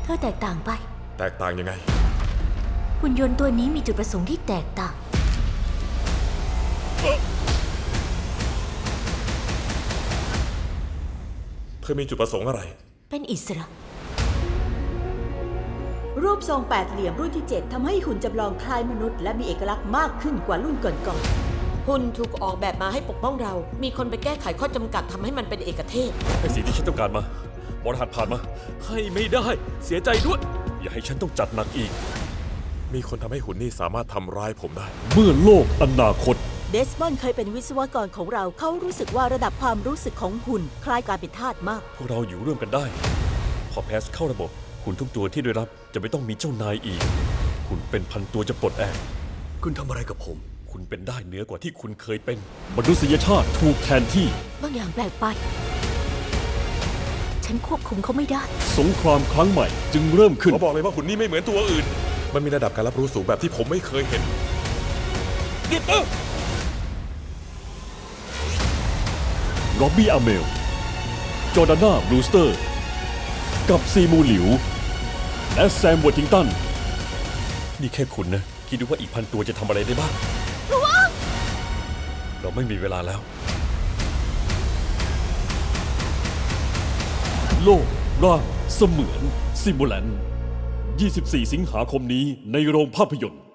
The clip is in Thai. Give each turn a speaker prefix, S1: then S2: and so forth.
S1: เธอแตกต่างไป
S2: แตกต่างยังไง
S1: หุ่นยนต์ตัวนี้มีจุดประสงค์ที่แตกต่าง
S2: เธอมีจุดประสงค์อะไร
S1: เป็นอิสระ
S3: รูปทรงแปดเหลี่ยมรุ่นที่ 7ทำให้หุ่นจำลองคล้ายมนุษย์และมีเอกลักษณ์มากขึ้นกว่ารุ่นก่อน
S4: หุ่นถูกออกแบบมาให้ปกป้องเรา มีคนไปแก้ไขข้อจำกัดทำให้มันเป็นเอกเทศ
S5: ให้สิ่งที่ฉันต้องการมาบรหัสผ่านมา ให้ไม่ได้ เสียใจด้วย อย่าให้ฉันต้องจัดหนักอีก
S2: มีคนทำให้หุ่นนี่สามารถทำร้ายผมได้
S5: เมื่อโลกอนาคต
S3: ๆ เดสมอนด์เคยเป็นวิศวกรของเรา เขารู้สึกว่าระดับความรู้สึกของหุ่นคล้ายการเป็นทาสมาก
S5: พวกเราอยู่ร่วมกันได้ พอแพสเข้าระบบ หุ่นทุกตัวที่ได้รับจะไม่ต้องมีเจ้านายอีก หุ่นเป็นพันตัวจะปลดแอก
S6: คุณทำอะไรกับผม
S5: คุณเป็นได้เหนือกว่าที่คุณเคยเป็น มนุษยชาติถูกแทนที่
S1: บางอย่างแปลกไป ฉันควบคุมเขาไม่ได้
S5: สงครามครั้งใหม่จึงเริ่มขึ้น
S2: ขอบอกเลยว่าหุ่นนี่ไม่เหมือนตัวอื่น มันมีระดับการรับรู้สูงแบบที่ผมไม่เคยเห็น
S5: หยุดนะร็อบบี้อาเมล จอร์ดาน่าบรูสเตอร์ กับซีมูหลิว และแซมวอร์ทิงตัน นี่แค่คุณนะ คิดดูว่าอีกพันตัวจะทำอะไรได้บ้าง เราไม่มีเวลาแล้ว โลกร่างเสมือนซิมูแลน 24 สิงหาคมนี้ในโรงภาพยนตร์